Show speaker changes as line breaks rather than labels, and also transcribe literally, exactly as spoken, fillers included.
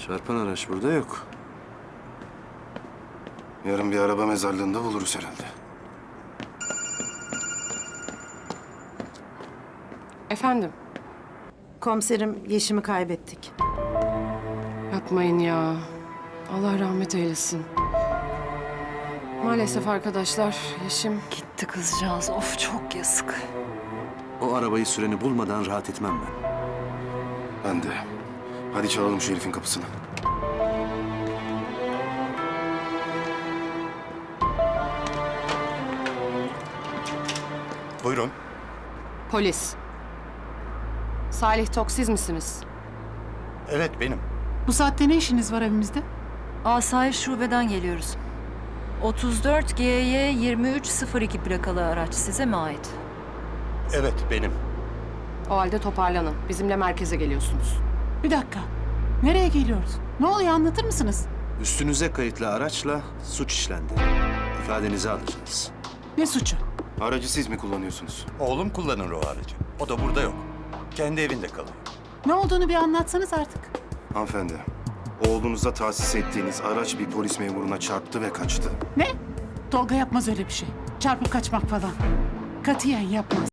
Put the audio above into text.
Çarpan araç burada yok.
Yarın bir araba mezarlığında buluruz herhalde.
Efendim?
Komiserim, Yeşim'i kaybettik.
Yapmayın ya. Allah rahmet eylesin. Maalesef arkadaşlar, Yeşim...
Gitti kızcağız. Of çok yazık.
O arabayı süreni bulmadan rahat etmem ben.
Ben de. Hadi çalalım şu herifin kapısını.
Buyurun.
Polis. Salih Tok siz misiniz?
Evet benim.
Bu saatte ne işiniz var evimizde?
Asayiş şubeden geliyoruz. otuz dört G Y yirmi üç sıfır iki plakalı araç size mi ait?
Evet benim.
O halde toparlanın. Bizimle merkeze geliyorsunuz.
Bir dakika. Nereye geliyoruz? Ne oluyor anlatır mısınız?
Üstünüze kayıtlı araçla suç işlendi. İfadenizi alacağız.
Ne suçu?
Aracı siz mi kullanıyorsunuz?
Oğlum kullanır o aracı. O da burada yok. Kendi evinde kalıyor.
Ne olduğunu bir anlatsanız artık.
Hanımefendi, oğlunuza tahsis ettiğiniz araç bir polis memuruna çarptı ve kaçtı.
Ne? Tolga yapmaz öyle bir şey. Çarpıp kaçmak falan. Katiyen yapmaz.